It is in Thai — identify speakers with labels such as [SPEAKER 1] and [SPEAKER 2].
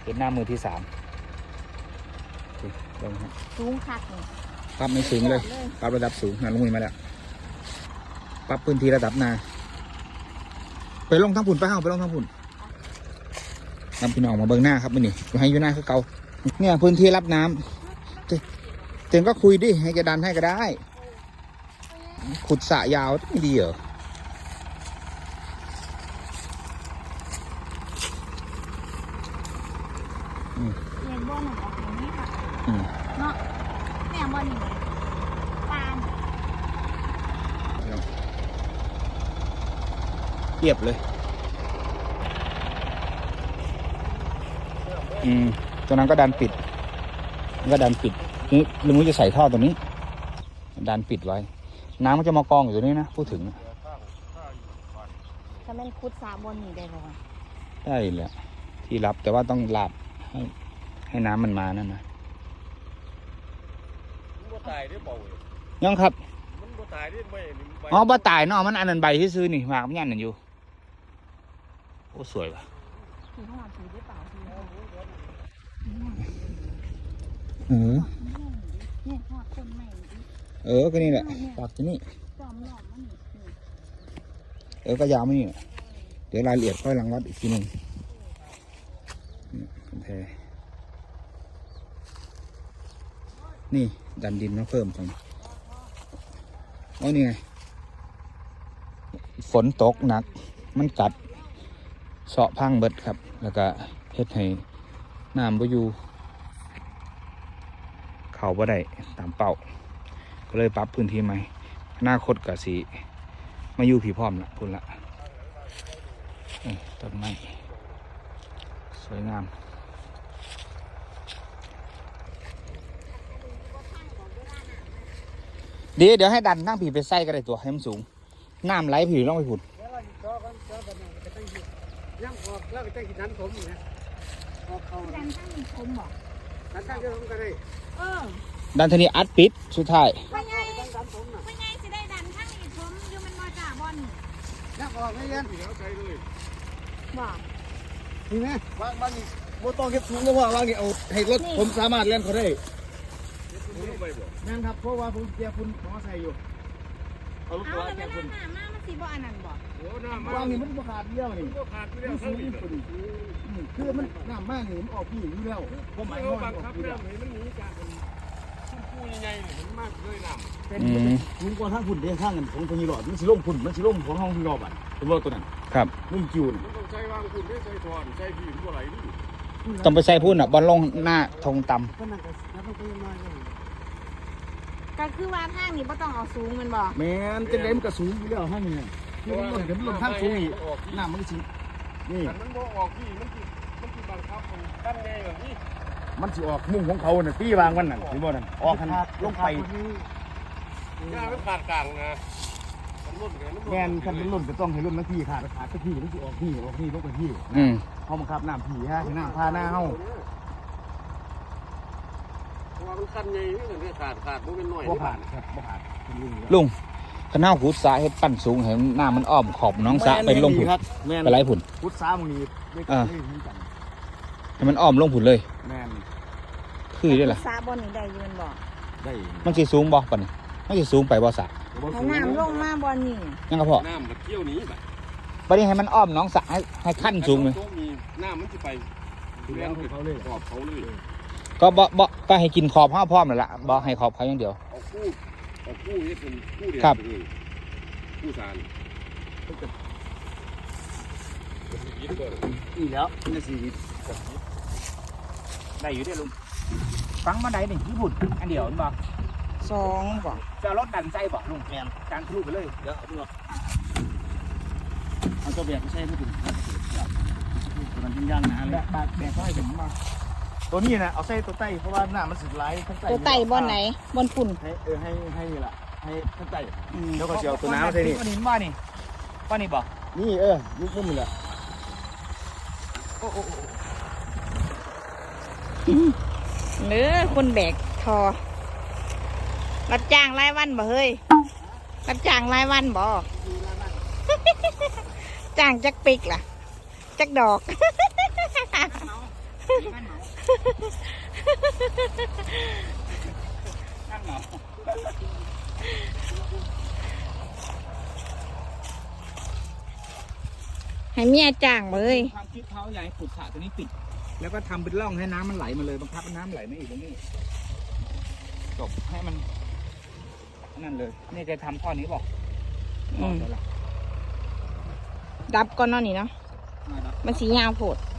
[SPEAKER 1] เป็นหน้ามือที่3ลงครับ
[SPEAKER 2] สูงคักเลย
[SPEAKER 1] ปรับไม่สูงเลยปรับระดับสูงลงมือมาแล้วปรับพื้นที่ระดับนาไปลงทั้งผุนไปห้างไปลงทั้งผุนนำพี่น้องมาเบิ้งหน้าครับมื่อนี้ให้อยู่หน้าคือเก่าเนี่ยพื้นที่รับน้ำเจนก็คุยดิให้แกดันให้ก็ได้ขุดสระยาวไม่ดีเหรอ
[SPEAKER 2] เรียนบ่อหนุ่มออกอย่างนี้ค่ะเนาะแม่บ่อนี่ปลา
[SPEAKER 1] เรียบเลยตัวนั้นก็ดันปิดก็ดันปิดนี่ลุงจะใส่ท่อตัวนี้ดันปิดไว้น้ำมันจะมากองอยู่ตรงนี้นะพูดถึง
[SPEAKER 2] ถ้าแม่นคุดสาบนนี่ได้บ่
[SPEAKER 1] ได้แหละที่รับแต่ว่าต้องหลับให้น้ำมันมานั่นนะยังครับอ๋อบ่ตายเนาะมันอันนั้นใบที่ซื้อนี่หมากมันยันนั่นอยู่โอ้สวยว่ะก็นี่แหละปากที่นี่ก็ยาวไม่นี่เดี๋ยวรายละเอียดค่อยรังวัดอีกทีหนึ่งแพนี่ดันดินมาเพิ่มตรงนี่ไงฝนตกหนักมันกัดเสาะพังเบิดครับแล้วก็เฮ็ดให้น้ำบ่อยู่เข่าบ่ได้ตามเป้าก็เลยปรับพื้นที่ใหม่อนาคตก็สิมาอยู่ผีพร้อมละพุ่นละต้นไม้สวยงามเดี๋ยวให้ดันนั่งผีไปใส่ก็ได้ตัวให้มันสูงน้ำไหลผีต้องไปผุด
[SPEAKER 3] ย่างออกแล้วก็จะกินนั้นผมเนี่ยออกเขา
[SPEAKER 2] ดันข้างมันคมบ่
[SPEAKER 3] ดันข้างจะผมก็ได้
[SPEAKER 1] ดันทีนี้อัดปิดสุดท้าย
[SPEAKER 2] ไม่ไงสิได้ดันข้างอีกผมอยู่มันมาจากบอล
[SPEAKER 3] ย่างออกไม่ยันเดี๋ยวใจเลย
[SPEAKER 2] บ่
[SPEAKER 3] นี่ไหมวางนี่โมต้องเก็บถุงแล้วว่าวางนี่เอาให้รถผมสามารถเล่นเขาได้นั่นครับเพราะว่าผมเกียร์คุณขอใส่อยู่
[SPEAKER 2] เอาลูกตัวเกียร์คุณมามันสีบ่อันนั้นบ่
[SPEAKER 3] วางนี่มันขาดเดียวนี่มันสูงพอดีคือมันน้ำมากนี่มันออกพี่อยู่แล้วผมหมายว่าบังคับแล้วมันหนีจากมันพูใหญ่ๆมันมากเลยน้ำเป็นถุงก้อนข้างฝุ่นเด้ข้างกันของตัวนี้หลอดมันสิล่มฝุ่นมันสิล่มของห้องที่รอบอ่ะเป็นรถตัวนั้น
[SPEAKER 1] ครับ
[SPEAKER 3] นุ่มจิ๋วต้องใช้วางฝุ่นได้ใช้ถอนใช้ผีมันอะไรนี่
[SPEAKER 1] ต้องไปใส่พุ่นบอลลงหน้าทงต่ำ
[SPEAKER 2] ก็คือว่าทางนี้บ่ต้องเอาสูงมันบ่
[SPEAKER 3] แม่นจะได้มันก็สูงอยู่แล้วห้างนี่คือมันเดี๋ยวมันลงข้างสูงอีกน้ำมันก็สินี่มันบ่ออกพี่มันสิบังคับมันตั้งแน่แบบนี้มันสิออกมุ่งของเขาน่ะตีวางมันน่ะเห็นบ่นั่นออกคันลงไปหน้ามันขาดกลางนะแม่นคันเป็นรุ่นก็ต้องให้รุ่นนาทีขาดสักทีมันสิออกพี่ลงไปพี่เฮาบังคับน้ำพี่ฮะน้ำพาหน้าเฮามันคันใหญ่นี่มันขาดบ่เป็นน้อยบ่ขาดครับบ่ขาด
[SPEAKER 1] ลุงข้าวขุดสาเฮ็ดปั้นสูงเห็นหน้ามันอ้อมขอบน้องสาไปลงผุนไปไล่ผุน
[SPEAKER 3] ขุดสามึงนี่
[SPEAKER 1] ให้มันอ้อมลงผุนเลย
[SPEAKER 3] แม่น
[SPEAKER 1] คือได้ล่ะ
[SPEAKER 2] สาบนนี่ได้ยืนบ่
[SPEAKER 3] ได้
[SPEAKER 1] มันสิสูงบ่ปานนี้มันสิสูงไปบ่สา
[SPEAKER 2] ให้น้ำลงมาบนนี่
[SPEAKER 1] ยังก็พอ
[SPEAKER 3] น้ำมันเที่ยวนี้
[SPEAKER 1] บัดนี้ให้มันอ้อมน้องสาให้ขั้นสูงเลย
[SPEAKER 3] น้ำมันสิไปเลี้ยงเขาเลยขอบเขาเลย
[SPEAKER 1] ก็ก็ให้กินขอบห้าพร้อมนั่นแหละบ่ให้ขอบเขาอย่างเดียว
[SPEAKER 3] เอาคู่นี่เป็นคู่เดียวเลยคู่สารอีแล้วนี่ชีวิต
[SPEAKER 1] ได้อยู่ได้ลุงฟังมาได้นี่ญี่ปุ่นอันเดียวนี่บ่
[SPEAKER 2] 2บ่
[SPEAKER 1] จะรถดันใจบ่ลุงแม่นการทะลุไปเลย
[SPEAKER 3] เดี๋ยวเอาตัวเบียดไม่ใช่ไม่ถึงมันเป็นย่างนะแบกเขาให้ผมมาตัวนี้นะเอาใส่ตัวไต้เพราะว่าหน้ามันสุดไร้ทั้งไต้
[SPEAKER 2] ตัวไต้บนไหนบนฝุ่น
[SPEAKER 3] ให้ล่ะให้ทั้งไต้แล้วก็เจียวตัวน้ำใส่นี่
[SPEAKER 1] ป้านินว่านี่บอก
[SPEAKER 3] นี่ยุบมุ้งเลย
[SPEAKER 2] หรือคนแบกทอรับจ้างรายวันบ่เฮ้ยรับจ้างรายวันบ่จ้างจักปิกล่ะจักดอก
[SPEAKER 3] นั่นเหรอนั่นเหรอ
[SPEAKER 2] ให้เมียจ้างบ่เฮ้ย
[SPEAKER 1] ความคิดเขาอยากให้ขุดสระตัวนี้ปิด แล้วก็ทำเป็นร่องให้น้ำมันไหลมาเลยบังคับให้น้ำไหลไม่อีกตรงนี้จบให้มันนั่นเลยนี่แกทำข้อนี้บอก
[SPEAKER 2] ดับก่อนเนาะนี่เนาะ มันสียาวโพด
[SPEAKER 1] เ